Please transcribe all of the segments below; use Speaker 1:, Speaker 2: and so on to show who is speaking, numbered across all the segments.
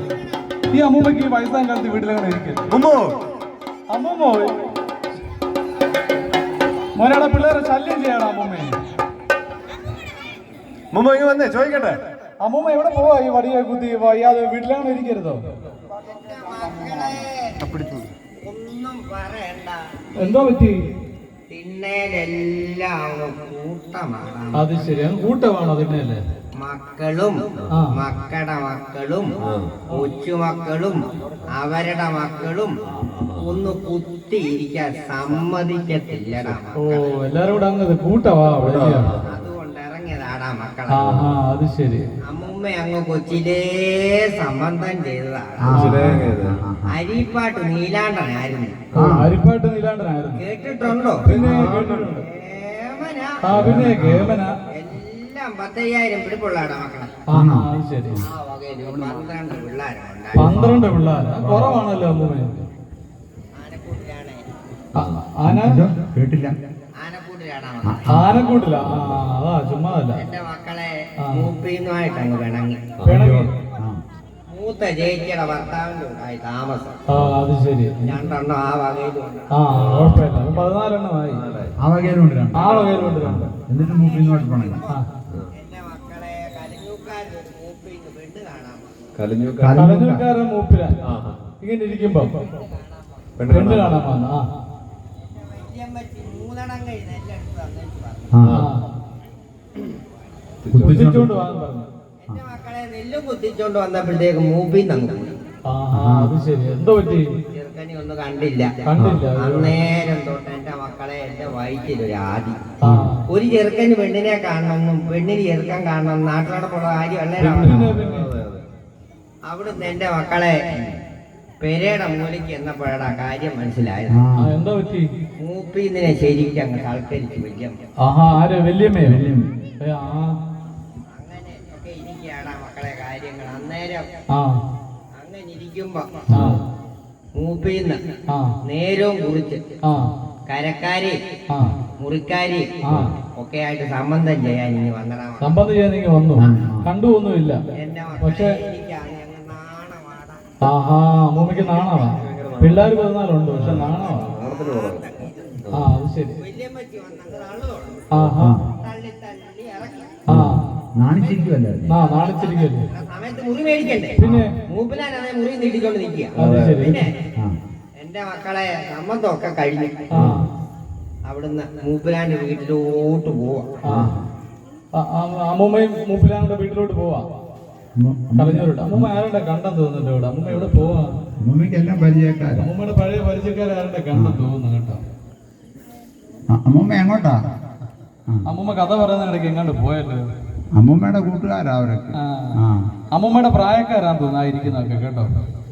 Speaker 1: ഈ അമ്മൂമ്മക്ക് ഈ വയസ്സാം കാലത്ത് വീട്ടിലങ്ങനെ ഇരിക്കും. അമ്മൂമ്മ മോനയുടെ പിള്ളേരെ ശല്യം ചെയ്യണം അമ്മൂമ്മയെ.
Speaker 2: ഇങ്ങ് വന്നേ ചോദിക്കട്ടെ.
Speaker 1: അമ്മൂമ്മ എവിടെ പോവാ ഈ വടിയെ കുത്തി വയ്യാതെ വീട്ടിലങ്ങനെ ഇരിക്കരുതോ?
Speaker 3: ഒന്നും പറയണ്ട.
Speaker 1: എന്തോ പറ്റി?
Speaker 3: തിന്നേലെല്ലാം കൂട്ടമാണ്.
Speaker 1: അത് ശരി, കൂട്ടമാണോ തിന്നേല്?
Speaker 3: മക്കളും മക്കളുടെ മക്കളും കൊച്ചുമക്കളും അവരുടെ മക്കളും ഒന്ന് കുത്തിയിരിക്കാൻ സമ്മതിക്കത്തില്ലടാ.
Speaker 1: ഓ, എല്ലാരും കൂടെ അങ്ങ് കൂട്ടവാ.
Speaker 3: അതുകൊണ്ട് ഇറങ്ങിയതാടാ മക്കളെ.
Speaker 1: അത് ശരി.
Speaker 3: അമ്മുമ്മ അങ്ങ് കൊച്ചിലേ സംബന്ധം ചെയ്തതാണ്. അരിപ്പാട്ട് നീലാണ്ടനായിരുന്നു.
Speaker 1: അരിപ്പാട്ട് നീലാണ്ടനായിരുന്നു.
Speaker 3: കേട്ടിട്ടുണ്ടോ?
Speaker 1: പിന്നെ കേട്ടിട്ടുണ്ട്. പിന്നെ കേമന
Speaker 3: എല്ലാം 10,000 പിടിപ്പുള്ളാടാ മക്കളെ.
Speaker 1: അത് ശരി.
Speaker 3: ആ വകയില് 12 പിള്ളേരുണ്ട്.
Speaker 1: 12 പിള്ളേർ കുറവാണല്ലോ അമ്മൂമ്മ.
Speaker 2: കേട്ടില്ല.
Speaker 1: ആനക്കൂട്ടില്ല. അതാ ചുമ്മാതല്ല.
Speaker 3: എന്റെ മക്കളെ മൂപ്പിന്നുമായിട്ട് അങ്ങ് പിണങ്ങി. മൂത്ത ചേച്ചിയുടെ ഭർത്താവിന്റെ ഉണ്ടായി താമസം.
Speaker 1: അത് ശരി.
Speaker 3: 2 എണ്ണം ആ വകയിലുണ്ട്.
Speaker 1: കുഴപ്പമില്ല. 14 എണ്ണമായി.
Speaker 2: ആ വകയിലുണ്ട്.
Speaker 1: എന്നിട്ട്
Speaker 2: മൂപ്പിന്നുമായിട്ട് പോണേ.
Speaker 3: എന്റെ മക്കളെ കലിഞ്ഞൂക്കാരൻ ഒരു മൂപ്പിന്ന് പെണ്ണ് കാണാൻ.
Speaker 1: കലഞ്ഞൂക്കാരൻ മൂപ്പില ഇങ്ങനെ ഇരിക്കുമ്പോ പെണ്ണ് കാണാൻ വന്ന.
Speaker 3: വല്യമ്മച്ചി 3 എണ്ണം കഴിഞ്ഞ് എല്ലാം എടുത്ത്
Speaker 1: കുത്തിച്ചോണ്ട് വാങ്ങാൻ പറഞ്ഞു.
Speaker 3: എന്റെ മക്കളെ നെല്ലും കുത്തിച്ചോണ്ട് വന്നപ്പോഴത്തേക്ക് മൂപ്പിന്ന് അങ്ങ് പോയി.
Speaker 1: അത് ശരി. എന്തോ പറ്റി?
Speaker 3: ചെറുക്കനെ ഒന്നും കണ്ടില്ല. അന്നേരം തൊട്ട് എന്റെ മക്കളെ എന്റെ വയറ്റിലൊരു ആദി. ഒരു ചെറുക്കന് പെണ്ണിനെ കാണണമെന്നും പെണ്ണിന് ചെറുക്കൻ കാണണം നാട്ടിലോടൊപ്പുള്ള കാര്യം അന്നേരം അവിടുന്ന് എന്റെ മക്കളെ പെരയുടെ മൂലയ്ക്ക് എന്നപ്പോഴാ കാര്യം മനസ്സിലായത്.
Speaker 1: എന്താ പറ്റി?
Speaker 3: മൂപ്പിന്നിനെ ശരിക്കും അങ്ങ് സൽക്കരിച്ചു വല്യമ്മ.
Speaker 1: വല്യമ്മയോ?
Speaker 3: അങ്ങനെ ഒക്കെ ഇരിക്കുകയാടാ മക്കളെ കാര്യങ്ങൾ. അന്നേരം അങ്ങനെ ഇരിക്കുമ്പോ മൂപ്പിന്ന് നേരവും കുറിച്ച് കരക്കാരി മുറിക്കാരി ഒക്കെ ആയിട്ട് സംബന്ധം ചെയ്യാൻ ഇനി വന്നടാ.
Speaker 1: സംബന്ധം ചെയ്യാൻ നിങ്ങൾ വന്നു? കണ്ടുവൊന്നുമില്ല.
Speaker 3: എന്റെ
Speaker 1: പക്ഷെ
Speaker 3: നാണവാടാ.
Speaker 1: അമ്മൂമ്മക്ക് നാണവാ. പിള്ളേർ 14 ഉണ്ട്. പക്ഷെ നാണവാ. അത് ശരി.
Speaker 3: വല്യമ്മച്ചി വന്നത് തള്ളി തള്ളി ഇറക്കി.
Speaker 1: നാണിച്ചിരിക്കുവല്ലേ?
Speaker 3: സമയത്ത് മുറി മേടിക്കണ്ടേ?
Speaker 1: പിന്നെ
Speaker 3: മൂപ്പിലാനെ മുറി നീട്ടിക്കൊണ്ട് നിൽക്കുക. പിന്നെ എന്റെ മക്കളെ സമ്മതമൊക്കെ കഴിഞ്ഞു. അവിടുന്ന് മൂപ്പിലാന്റെ വീട്ടിലോട്ട് പോവാ.
Speaker 1: അമ്മൂമ്മയും മൂപ്പിലാന്റെ വീട്ടിലോട്ട് പോവാ. കളഞ്ഞൂരുണ്ട്. അമ്മൂമ്മ ആരുടെ കണ്ടെന്ന് തോന്നുന്നുണ്ട് ഇവിടെ? അമ്മൂമ്മ എവിടെ പോവാ?
Speaker 2: അമ്മൂമ്മയ്ക്കെല്ലാം പരിചയക്കാരാ.
Speaker 1: അമ്മൂമ്മയുടെ പഴയ പരിചയക്കാരാരുടെ കണ്ടെന്ന് തോന്നുന്നു കേട്ടോ.
Speaker 2: അമ്മൂമ്മ എങ്ങോട്ടാ?
Speaker 1: അമ്മൂമ്മ കഥ പറയുന്ന ഇടയ്ക്ക് എങ്ങാണ്ട് പോയല്ലോ.
Speaker 2: അമ്മൂമ്മയുടെ കൂട്ടുകാരാ അവരൊക്കെ.
Speaker 1: അമ്മൂമ്മയുടെ പ്രായക്കാരാന്ന് തോന്നുന്നു ഇരിക്കുന്നതൊക്കെ കേട്ടോ.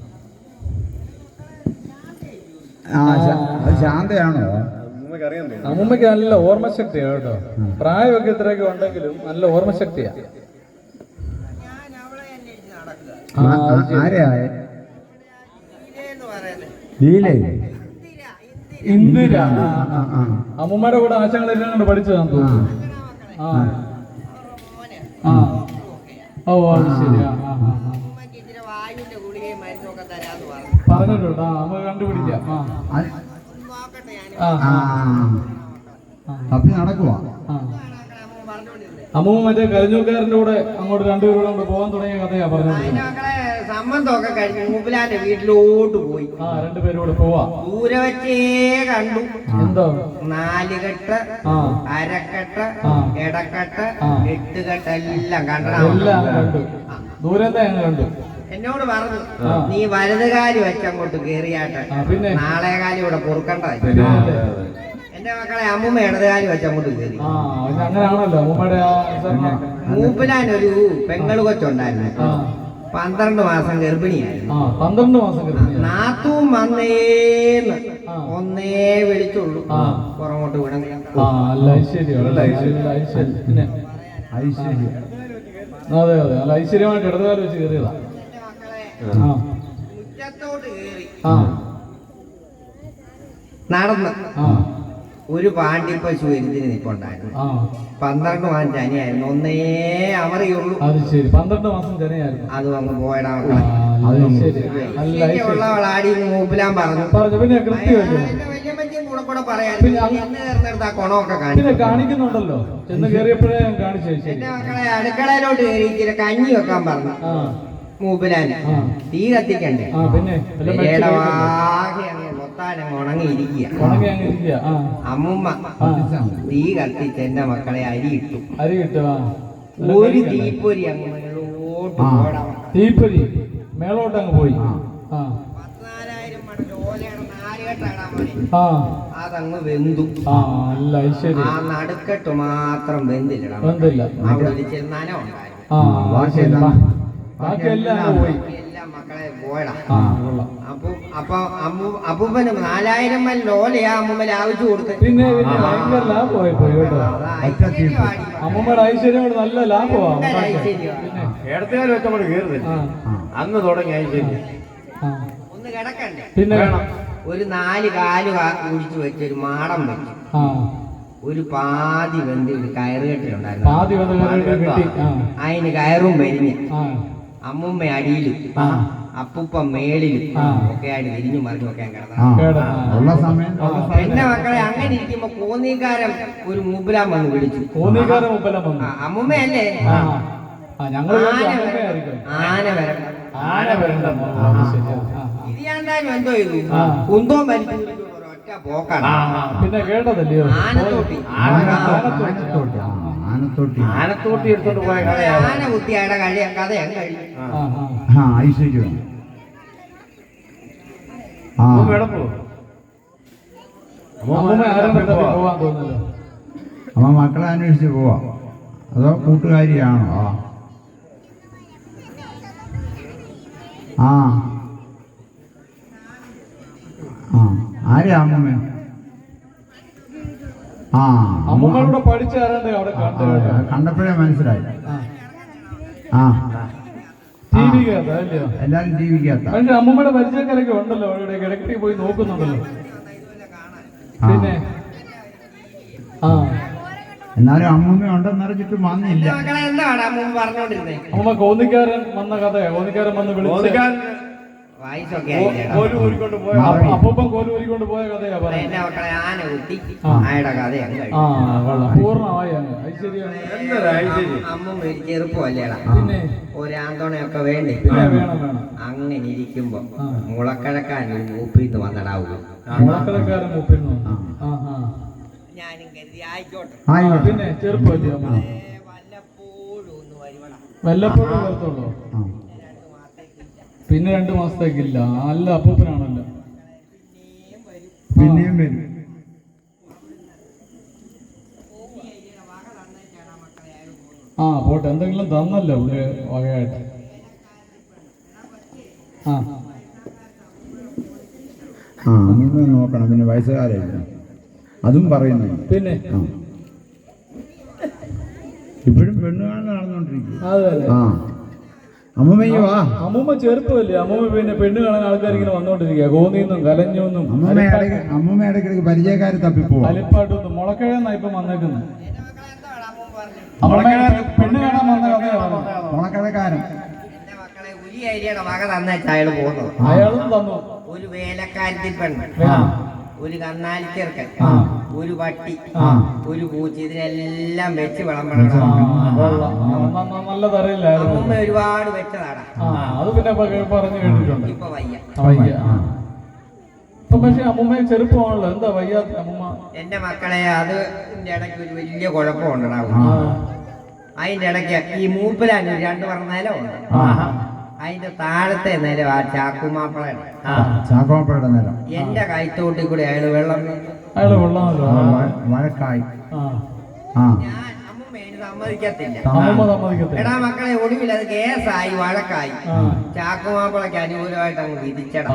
Speaker 2: ശാന്തയാണോ?
Speaker 1: അമ്മൂമ്മക്ക് നല്ല ഓർമ്മശക്തിയാ കേട്ടോ. പ്രായമൊക്കെ ഇത്രയൊക്കെ ഉണ്ടെങ്കിലും നല്ല ഓർമ്മശക്തിയാ. ഇന്ദിര. അമ്മൂമ്മയുടെ കൂടെ ആശങ്ങളെല്ലാം കൊണ്ട് പഠിച്ചതാന്ന് തോന്നുന്നു. അത് ശരി. പറഞ്ഞിട്ടുണ്ടോ? അമ്മ കണ്ടുപിടിക്കാം.
Speaker 2: തപ്പി നടക്കുവാ.
Speaker 1: അമ്മൂമ്മ മറ്റേ കരഞ്ഞൂക്കാരന്റെ കൂടെ അങ്ങോട്ട് 2 പേരും കൊണ്ട് പോകാൻ തുടങ്ങിയ കഥയാ പറഞ്ഞത്.
Speaker 3: സംബന്ധമൊക്കെ കഴിഞ്ഞ് മൂപ്പിലാന്റെ വീട്ടിലോട്ട് പോയി.
Speaker 1: 2 പേരും കൂടെ പോവാ.
Speaker 3: ദൂരെ വെച്ചേ കണ്ടു.
Speaker 1: എന്തോ
Speaker 3: 4 കെട്ട്, അരക്കെട്ട്, ഇടക്കെട്ട്, 8 കെട്ട് എല്ലാം
Speaker 1: കണ്ടു. ദൂരത്തെ കണ്ടു.
Speaker 3: എന്നോട് പറഞ്ഞു, നീ വലതുകാലി വെച്ചങ്ങോട്ട് കേറിയാട്ടെ, പിന്നെ നാളെ കാലി ഇവിടെ പൊറുക്കണ്ട. എന്റെ മക്കളെ അമ്മൂമ്മ ഇടതുകാലി വെച്ചങ്ങോട്ട് കേറി.
Speaker 1: അങ്ങനെയാണല്ലോ
Speaker 3: മൂപ്പിലാനൊരു പെങ്ങള് കൊച്ചുണ്ടായിരുന്നു. 12 മാസം ഗർഭിണിയായിരുന്നു.
Speaker 1: 12 മാസം
Speaker 3: നാത്തും വന്നേന്ന് ഒന്നേ വിളിച്ചുള്ളൂ. പുറമോട്ട് വിടണം.
Speaker 1: അതെ അതെ, നല്ല ഐശ്വര്യമായിട്ട് ഇടതുകാലം വെച്ച് കയറിയതാ.
Speaker 3: മുറ്റത്തോട്ട് കേറി നടന്ന് ഒരു പാണ്ടിപ്പശു എരുതിന് നിൽപ്പുണ്ടായിരുന്നു.
Speaker 1: ആ
Speaker 3: 12 മാസം ചനിയായിരുന്നു. ഒന്നേ അവറിയുള്ളൂ.
Speaker 1: അത് ശരി 12 മാസം ജനയായിരുന്നു.
Speaker 3: അതും അങ്ങ് പോയടാ.
Speaker 1: ശരി നല്ല
Speaker 3: ഉള്ളവളാടി മൂപ്പിലാൻ പറഞ്ഞു.
Speaker 1: പിന്നെ കൃത്യമല്ലേ
Speaker 3: വല്യമ്മച്ചും കൂടെ കൂടെ പറയാൻ
Speaker 1: പിന്നെ
Speaker 3: എന്ന് നേർന്നെടുത്ത് ആ കുണമൊക്കെ
Speaker 1: പിന്നെ
Speaker 3: കാണിച്ചു.
Speaker 1: കാണിക്കുന്നുണ്ടല്ലോ ചെന്ന് കയറിയപ്പോഴേ ഞാൻ കാണിച്ചു. ശരി
Speaker 3: എന്റെ മക്കളെ അടുക്കളയിലോട്ട് കയറി ഇച്ചിരി കഞ്ഞി വെക്കാൻ പറഞ്ഞു.
Speaker 1: ആ
Speaker 3: മൂപ്പിലാൻ തീ കത്തിക്കണ്ടേ?
Speaker 1: പിന്നെ
Speaker 3: വാകെ അങ്ങ് മൊത്താനങ്ങ് ഉണങ്ങിയിരിക്കുക.
Speaker 1: ഉണങ്ങി അങ്ങ് ഇരിക്കുക.
Speaker 3: അമ്മുമ്മ തീ കത്തിച്ച് എന്റെ മക്കളെ അരി ഇട്ടു.
Speaker 1: അരി കിട്ടുക
Speaker 3: ഒരു തീപ്പൊരി അങ്ങ് മേലോട്ട് പോടാ.
Speaker 1: തീപ്പൊരി മേളോട്ട് അങ്ങ് പോയി.
Speaker 3: 14,000 മടൽ ഓലയാണ് 4 കെട്ടാടാ മോനെ.
Speaker 1: ആ
Speaker 3: അതങ്ങ് വെന്തു.
Speaker 1: അല്ല ശരി.
Speaker 3: ആ നടുക്കെട്ട് മാത്രം വെന്തില്ലടാ.
Speaker 1: വെന്തില്ല.
Speaker 3: അവിടെ ഒരു ചെന്നാനം ഉണ്ടായിരുന്നു.
Speaker 1: ബാക്കിയെല്ലാം പോയി.
Speaker 3: എല്ലാം മക്കളെ പോയടാ.
Speaker 1: കൊള്ളാം.
Speaker 3: അപ്പൊ അപ്പൂപ്പന് 4,000 മൽ ഓലയാ അമ്മൂമ്മ ആവശ്യം കൊടുത്ത്.
Speaker 1: പിന്നെ ഭയങ്കര ലാഭമായി പോയി കേട്ടോ. അമ്മൂമ്മയുടെ ഐശ്വര്യം കൊണ്ട് നല്ല ലാഭമാണ്.
Speaker 4: ഇടത്തുകാർ വെച്ചങ്ങോട്ട് കയറുന്നില്ല. അന്ന് തുടങ്ങി ഐശ്വര്യം.
Speaker 3: ഒന്ന് കിടക്കണ്ടേ?
Speaker 1: പിന്നെ വേണം
Speaker 3: ഒരു 4 കാല് കുടിച്ചു വെച്ച് ഒരു മാടം വെച്ചു. ഒരു പാതി വെന്ത് ഒരു കയറുകെട്ടിലുണ്ടായിരുന്നു.
Speaker 1: പാതി കിട്ടി.
Speaker 3: അതിന് കയറും വരിഞ്ഞ് അമ്മുമ്മ അടിയിലും അപ്പൂപ്പ മേളിലും ഒക്കെ ആയിട്ട് തിരിഞ്ഞു മറിഞ്ഞു ഒക്കെ കിടന്നു. എന്റെ മക്കളെ അങ്ങനെ ഇരിക്കുമ്പോ കോന്നിക്കാരൻ ഒരു മൂപ്പിലാൻ വന്ന് വിളിച്ചു. അമ്മുമ്മയല്ലേ? ആന വരണ്ട. ഇത് ഞാൻ എന്തായാലും എന്തോ ചെയ്തു, കുന്തവും വലിച്ചു ഒറ്റ പോക്കാണ്.
Speaker 1: പിന്നെ കേട്ടതല്ലയോ
Speaker 4: ആനത്തോട്ടി എടുത്തോണ്ട് പോയ കഥയാണ്.
Speaker 3: ആന കുത്തിയാടെ കഥ ഞാൻ കഴിയും.
Speaker 2: അമ്മ മക്കളെ അന്വേഷിച്ച് പോവാ അതോ കൂട്ടുകാരിയാണോ? ആരെയാ അമ്മമ്മ?
Speaker 1: അമ്മൂമ്മയുടെ പഠിച്ച ആരാണ്ട് അവിടെ
Speaker 2: കണ്ടപ്പോഴേ മനസ്സിലായി. എല്ലാരും ടി വിക്കകത്ത.
Speaker 1: പക്ഷെ അമ്മൂമ്മയുടെ പരിചയക്കാരൊക്കെ ഉണ്ടല്ലോ അവിടെ കിടക്കി പോയി നോക്കുന്നുണ്ടല്ലോ. പിന്നെ
Speaker 2: എന്നാലും അമ്മൂമ്മ ഉണ്ടെന്നറിഞ്ഞിട്ട് വന്നില്ല.
Speaker 3: എന്താണ് അമ്മൂമ്മ പറഞ്ഞോണ്ടിരുന്നേ?
Speaker 1: അമ്മൂമ്മ കോന്നിക്കാരൻ വന്ന കഥയാ. കോന്നിക്കാരൻ വന്ന് വിളിച്ചു അപ്പൂപ്പൻ കോല് ഊരിക്കൊണ്ട് പോയ കഥയാ പറയുന്നത്.
Speaker 3: എന്റെ മക്കളെ ആന കുത്തി ആയുടെ കഥയാണ്.
Speaker 1: പൂർണ്ണമായി.
Speaker 3: അമ്മൂമ്മ ഒരു ചെറുപ്പമല്ലേടാ,
Speaker 1: പിന്നെ
Speaker 3: ഒരാന്തോണയൊക്കെ വേണ്ടേ?
Speaker 1: വേണം.
Speaker 3: അങ്ങനെ ഇരിക്കുമ്പോ മുളക്കഴക്കാൻ മൂപ്പിന്ന് വന്നടാവൂ.
Speaker 1: മുളക്കഴക്കാരൻ മൂപ്പിന്ന് ഞാനും കരുതി ആയിക്കോട്ടെ. പിന്നെ ചെറുപ്പമല്ലേ വല്ലപ്പോഴും ഒന്ന് വരുവടാ. വല്ലപ്പോഴും വരത്തുള്ളൂ. പിന്നെ 2 മാസത്തേക്കില്ല. നല്ല അപ്പൂപ്പനാണല്ലോ.
Speaker 2: പിന്നെയും വരും.
Speaker 1: പോട്ടെ. എന്തെങ്കിലും തന്നല്ലോ ഇവിടെ വകയായിട്ട്.
Speaker 2: അമ്മ നോക്കണം. പിന്നെ വയസ്സുകാരായില്ല അതും പറയുന്നുണ്ട്.
Speaker 1: പിന്നെ
Speaker 2: ഇപ്പോഴും പെണ്ണുകാണൽ നടന്നുകൊണ്ടിരിക്കും.
Speaker 1: അതല്ലേ
Speaker 2: അമ്മമ്മയ്ക്ക് വാ.
Speaker 1: അമ്മൂമ്മ ചെറുപ്പമല്ലേ. അമ്മൂമ്മ പിന്നെ പെണ്ണ് കാണാൻ ആൾക്കാർ ഇങ്ങനെ വന്നോണ്ടിരിക്കുക. കോന്നിന്നും കലഞ്ഞൊന്നും
Speaker 2: അമ്മമ്മ ഇടയ്ക്കിടയ്ക്ക് പരിചയക്കാര് തപ്പിപ്പോ
Speaker 1: അലിപ്പാട്ടൊന്നും മുളക്കഴന്നാ ഇപ്പൊ വന്നേക്കുന്നത്. പെണ്ണ് കാണാൻ വന്ന കഥയാണ്
Speaker 2: മുളക്കഴക്കാരൻ.
Speaker 3: എന്റെ മക്കളെ ഉലി അരിയുടെ വക തന്നേച്ചാ അയാൾ പോകുന്നത്.
Speaker 1: അയാളും തന്നു.
Speaker 3: ഒരു വേലക്കാരത്തി പെണ്ണ്, ഒരു കന്നാലി ചെറുക്കൻ, ഒരു പട്ടി, ഒരു പൂച്ച, ഇതിനെല്ലാം വെച്ച് വിളമ്പണം.
Speaker 1: നല്ലതറിയില്ലായിരുന്നു.
Speaker 3: അമ്മൂമ്മ ഒരുപാട് വെച്ചതാടാ.
Speaker 1: അത് പിന്നെ പറഞ്ഞു കേട്ടിട്ടുണ്ട്.
Speaker 3: ഇപ്പൊ വയ്യ.
Speaker 1: ഇപ്പൊ പക്ഷെ അമ്മൂമ്മ ചെറുപ്പമാണല്ലോ. എന്താ വയ്യാത്ത അമ്മൂമ്മ?
Speaker 3: എന്റെ മക്കളെ അത് ഇടയ്ക്ക് ഒരു വലിയ കുഴപ്പമുണ്ടാവും. അതിന്റെ ഇടയ്ക്ക് ഈ മൂപ്പിലാൻ 2 പറഞ്ഞാലോ ഉണ്ട്. അതിന്റെ താഴത്തെ നില ആ
Speaker 2: ചാക്കുമാപ്പളയുടെ നിലം.
Speaker 3: എന്റെ കൈത്തോട്ടി കൂടി അയാള് വെള്ളം
Speaker 2: വഴക്കായി.
Speaker 3: ഞാൻ സമ്മതിക്കത്തില്ല. എടാ മക്കളെ ഒടുവിൽ അത് കേസായി, വഴക്കായി. ചാക്കുമാപ്പളയ്ക്ക് അനുകൂലമായിട്ട് അങ്ങ് വിധിച്ചടാ.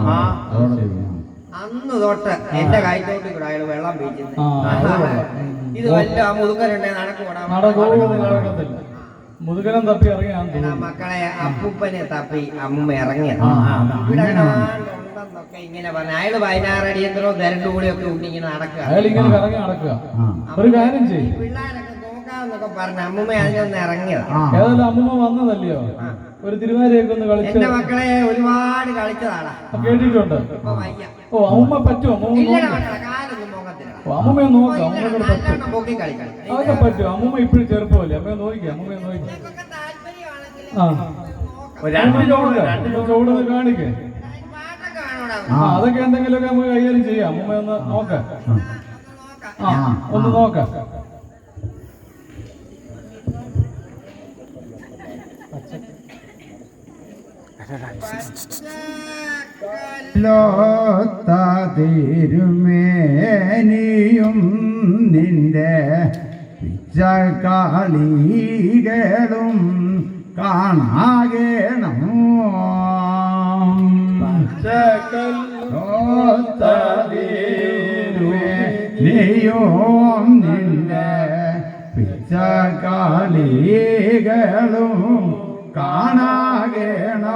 Speaker 3: അന്ന് തൊട്ട് എന്റെ കൈത്തോട്ടി കൂടെ അയാള് വെള്ളം വീഴ്ചത്. ഇത് വല്ല മുതുക്കലുണ്ടെ നടക്കൂടാ.
Speaker 1: മുതുകനം തപ്പി ഇറങ്ങിയാ
Speaker 3: മക്കളെ അപ്പൂപ്പനെ തപ്പി അമ്മൂമ്മ ഇറങ്ങിയത്. ഇവിടെ എന്നൊക്കെ ഇങ്ങനെ പറഞ്ഞു. അയാള് 16 അടിയന്തരോ ദരണ്ടു കൂടിയൊക്കെ ഉണ്ട് ഇങ്ങനെ നടക്കുക.
Speaker 1: അയാൾ ഇങ്ങനെ കറങ്ങി നടക്കുക. ഒരു കാര്യം ചെയ്യും,
Speaker 3: പിള്ളേരൊക്കെ നോക്കാന്നൊക്കെ പറഞ്ഞു. അമ്മൂമ്മ അതിനൊന്ന് ഇറങ്ങിയതാ.
Speaker 1: ഏതായാലും അമ്മൂമ്മ വന്നതല്ലയോ, ഒരു തിരുവാതിരയൊക്കെ ഒന്ന് കളിച്ച്.
Speaker 3: എന്റെ മക്കളെ ഒരുപാട് കളിച്ചതാടാ,
Speaker 1: കേട്ടിട്ടുണ്ട്.
Speaker 3: ഇപ്പൊ വയ്യ.
Speaker 1: ഓ അമ്മൂമ്മ പറ്റുമോ? അമ്മൂമ്മ
Speaker 3: ഇല്ലടാ
Speaker 1: നോക്കാം.
Speaker 3: മക്കളെ, കാലൊന്നും പോകത്തില്ല.
Speaker 1: ഓ അമ്മൂമ്മയെ നോക്കാം, അമ്മൂമ്മയോട് പറ്റും.
Speaker 3: നല്ലോണം പൊക്കി കളിക്കണം.
Speaker 1: അതൊക്കെ പറ്റും. അമ്മൂമ്മ ഇപ്പോഴും ചെറുപ്പമല്ലേ, അമ്മയെ നോക്കിക്കാം. അമ്മൂമ്മയെ നോക്കിക്കാം.
Speaker 3: നിങ്ങൾക്കൊക്കെ താല്പര്യമാണെങ്കിൽ
Speaker 1: ആ
Speaker 4: രണ്ട് ചോട്
Speaker 1: ചൂടൊന്ന് കാണിക്കേ.
Speaker 3: പാട്ടൊക്കെ വേണോടാ.
Speaker 1: അതൊക്കെ എന്തെങ്കിലുമൊക്കെ നമുക്ക് കൈകാര്യം ചെയ്യാം. അമ്മൂമ്മ ഒന്ന് നോക്കാം. ആ ഒന്ന് നോക്കാം.
Speaker 2: തിരുമേനിയും നിന്റെ പിച്ചക്കാളികളും കാണാകേണം. നീയും നിന്റെ പിച്ചക്കാളികളും കാണാകേണോ.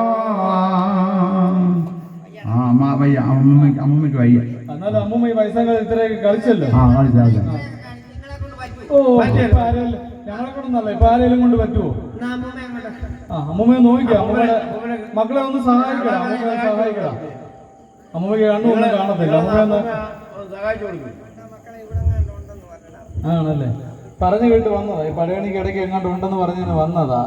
Speaker 2: അമ്മമ്മയ്ക്ക് വയ്യ.
Speaker 1: എന്നാലും അമ്മൂമ്മ ഈ വയസ്സങ്ങൾ ഇത്രയൊക്കെ കളിച്ചല്ലോ.
Speaker 2: കളിച്ചാൽ
Speaker 3: നിങ്ങളെ കൊണ്ട് പറ്റുമോ?
Speaker 1: ഓ ഇപ്പൊ ആരെങ്കിലും ഞങ്ങളെ കൊണ്ടൊന്നല്ല, ഇപ്പൊ ആരെങ്കിലും കൊണ്ട് പറ്റുമോ?
Speaker 3: എന്നാ അമ്മൂമ്മ അങ്ങോട്ട്.
Speaker 1: ആ അമ്മൂമ്മയെ നോക്കിക്കാം. അമ്മൂമ്മയുടെ മക്കളെ ഒന്ന് സഹായിക്കണം. അമ്മൂമ്മയെ സഹായിക്കണം. അമ്മൂമ്മയ്ക്ക് കണ്ണൊന്നും കാണത്തില്ല. അമ്മൂമ്മ ഒന്ന്
Speaker 4: സഹായിച്ചു കൊടുക്കും.
Speaker 3: മക്കളെ ഇവിടെ ഉണ്ടെന്ന് പറഞ്ഞടാ.
Speaker 1: ആണല്ലേ, പറഞ്ഞു കേട്ട് വന്നതാ. ഈ പടയണിക്ക് ഇടയ്ക്ക് എങ്ങോട്ട് ഉണ്ടെന്ന് പറഞ്ഞതിന് വന്നതാ.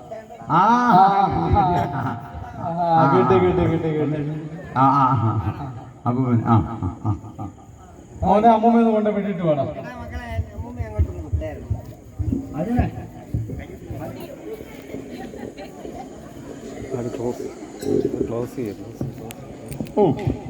Speaker 1: കേട്ട് മോനെ അമ്മൂമ്മയൊന്ന് കൊണ്ട് വിട്ടിട്ട് വേണം.
Speaker 3: എടാ മക്കളെ, അമ്മൂമ്മ അങ്ങോട്ടൊന്ന് വിട്ടായിരുന്നു.
Speaker 4: ക്ലോസ് ചെയ്യാം.